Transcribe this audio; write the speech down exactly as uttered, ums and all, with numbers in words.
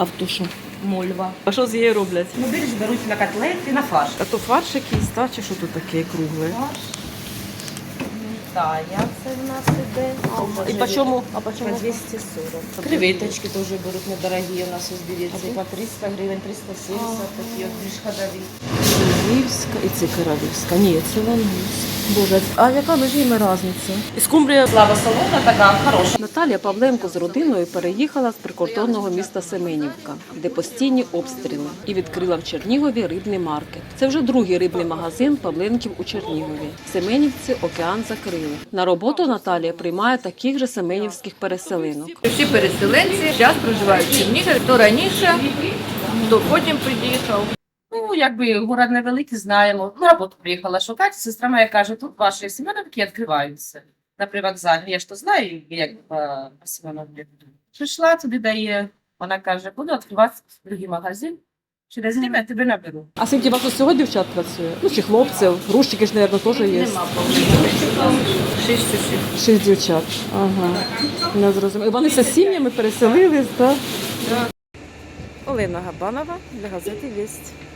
А в тушу? Мольва. А що з її роблять? Ну, більш беруть на котлети, на фарш. А то фарш якийсь, та, чи що тут таке кругле? Фарш. Тая це в нас іде. І по чому? А по По чому? двісті сорок. Креветочки теж беруть недорогі, у нас ось дивіться. І по триста гривень, триста сімдесят, такі от більш ходові. Львівська і це королівська. Ні, це лангуст. Боже, а яка між ними різниця? І скумбрія. Слава солона така хороша. Наталія Павленко з родиною переїхала з прикордонного міста Семенівка, де постійні обстріли, і відкрила в Чернігові рибний маркет. Це вже другий рибний магазин Павленків у Чернігові. Семенівці океан закрили. На роботу Наталія приймає таких же семенівських переселинок. Всі переселенці зараз проживають в Чернігові, хто раніше, хто потім приїхав. Ну, якби город невеликий, знаємо. На роботу приїхала шукати. Сестра моя каже, тут ваші Семеновки відкриваються. На привокзалі. Я ж то знаю, як по Семеновці. Прийшла, туди дає. Вона каже, буду відкривати другий магазин. Через рік я тебе наберу. А скільки у вас усього дівчат працює? Ну, чи хлопців? Грушчики ж, мабуть, теж є. Нема повинні. Шість часів. Шість дівчат. Ага. Не зрозуміло. І вони з сім'ями переселились, так? Олена Габанова для газети «Вість».